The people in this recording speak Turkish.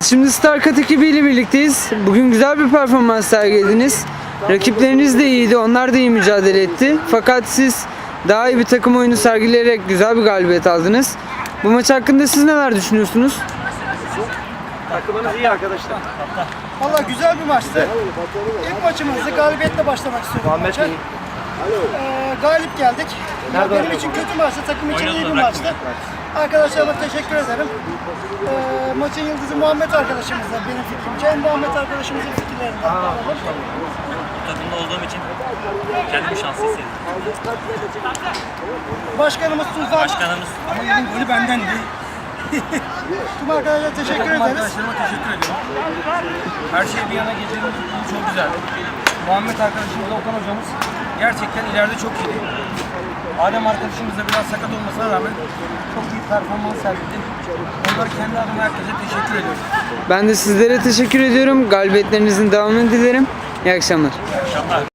Şimdi StarCut ekibiyle birlikteyiz. Bugün güzel bir performans sergilediniz. Rakipleriniz de iyiydi, onlar da iyi mücadele etti. Fakat siz daha iyi bir takım oyunu sergileyerek güzel bir galibiyet aldınız. Bu maç hakkında siz neler düşünüyorsunuz? Takımınız iyi arkadaşlar. Valla güzel bir maçtı. İlk maçımızdı. Galibiyetle başlamak istiyorum maça. Galip geldik. Benim için kötü maçtı, takım için iyi bir maçtı. Arkadaşlarıma teşekkür ederim. Maçın yıldızı Muhammed arkadaşımız da benim fikrimce. Muhammed arkadaşımızın fikirlerinden alalım. Bu takımda olduğum için kendimi şanslı hissediyorum. Başkanımız Tufan. Başkanımız Ama benim golü bendendi. Tüm arkadaşlara teşekkür ederiz. Arkadaşlarıma teşekkür ediyorum. Her şey bir yana getirdiğiniz çok güzel. Muhammed arkadaşımız, Okan hocamız gerçekten ileride çok iyiydi. Adem arkadaşımız da biraz sakat olmasına rağmen çok iyi performans sergiledi. Onlara kendi adıma herkese teşekkür ediyorum. Ben de sizlere teşekkür ediyorum. Galibiyetlerinizin devamını dilerim. İyi akşamlar. inşallah